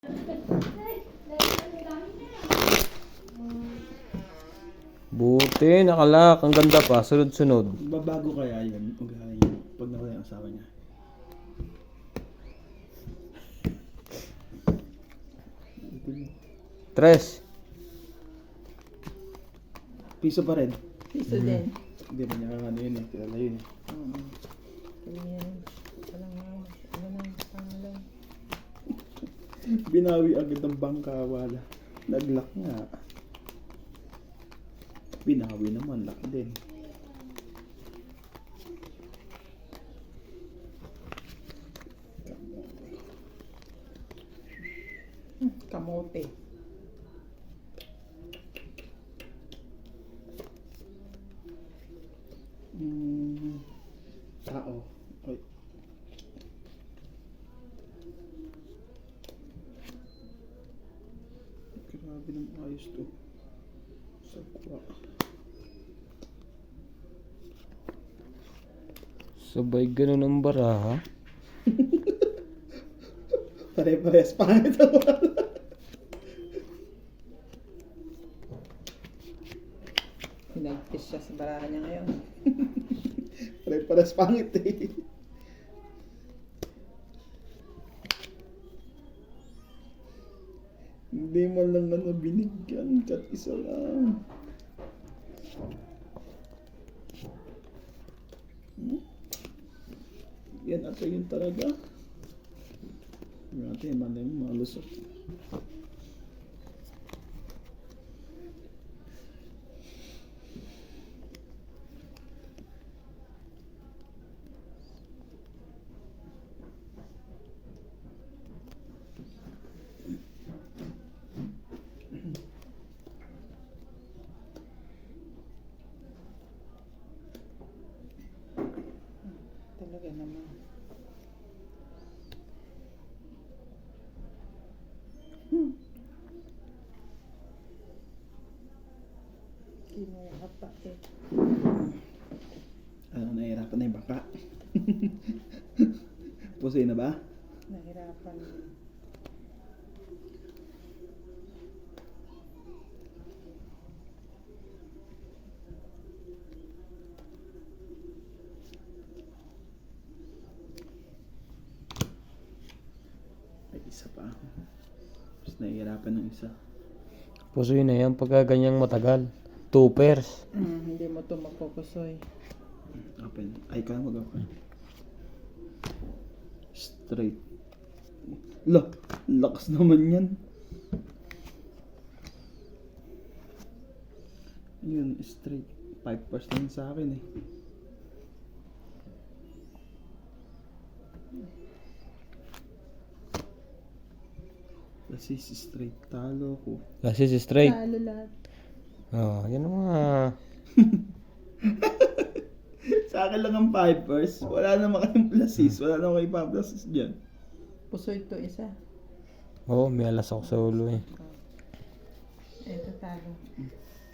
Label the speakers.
Speaker 1: Buti, nakalak. Ang ganda pa. Sunod-sunod.
Speaker 2: Babago kaya yun pag nawala yung asawa niya.
Speaker 1: Tres.
Speaker 2: Piso pa rin.
Speaker 3: Piso din.
Speaker 2: Hindi ba niya ano yun eh. Kilala yun eh.
Speaker 3: Ganyan. Ano na pangalan?
Speaker 2: Binawi agad ng bangka. Wala. Naglock nga. Binawi naman. Lock din.
Speaker 3: Kamote.
Speaker 2: Tao. Ay. Grabe naman ayos to. Sagwa.
Speaker 1: Sabay ganun ang baraha.
Speaker 2: Pare-pares pangit ako.
Speaker 3: Hinagpis siya sa baraha niya ngayon.
Speaker 2: Pare-pares pangit eh. Hindi mo lang ano binigyan. Kat isa lang. Yan ata yun talaga. Natin, malay mo, malusot.
Speaker 3: Talaga naman. Kinuha pa eh.
Speaker 2: Ano, nahihirapan na yung bangka. Pusoy na ba?
Speaker 3: Nahirapan.
Speaker 2: Ay, isa pa. Tapos nahihirapan ng isa.
Speaker 1: Pusoy na yan pagka ganyang matagal. 2 pairs.
Speaker 3: Hindi mo ito mapupusoy.
Speaker 2: Open. Ay, kaya mag-open. Straight. Lakas naman yan. Yun, straight. 5% sa akin eh. Kasi si straight talo ko.
Speaker 1: Last is straight.
Speaker 3: Talo lahat.
Speaker 1: Oh, yan ang mga...
Speaker 2: Sa akin lang ang 5%. Wala naman kayong pluses. Wala naman kayong pa-pluses dyan.
Speaker 3: Pusoy ito isa.
Speaker 1: Oo, may alas ako sa ulo eh.
Speaker 3: Ito talo.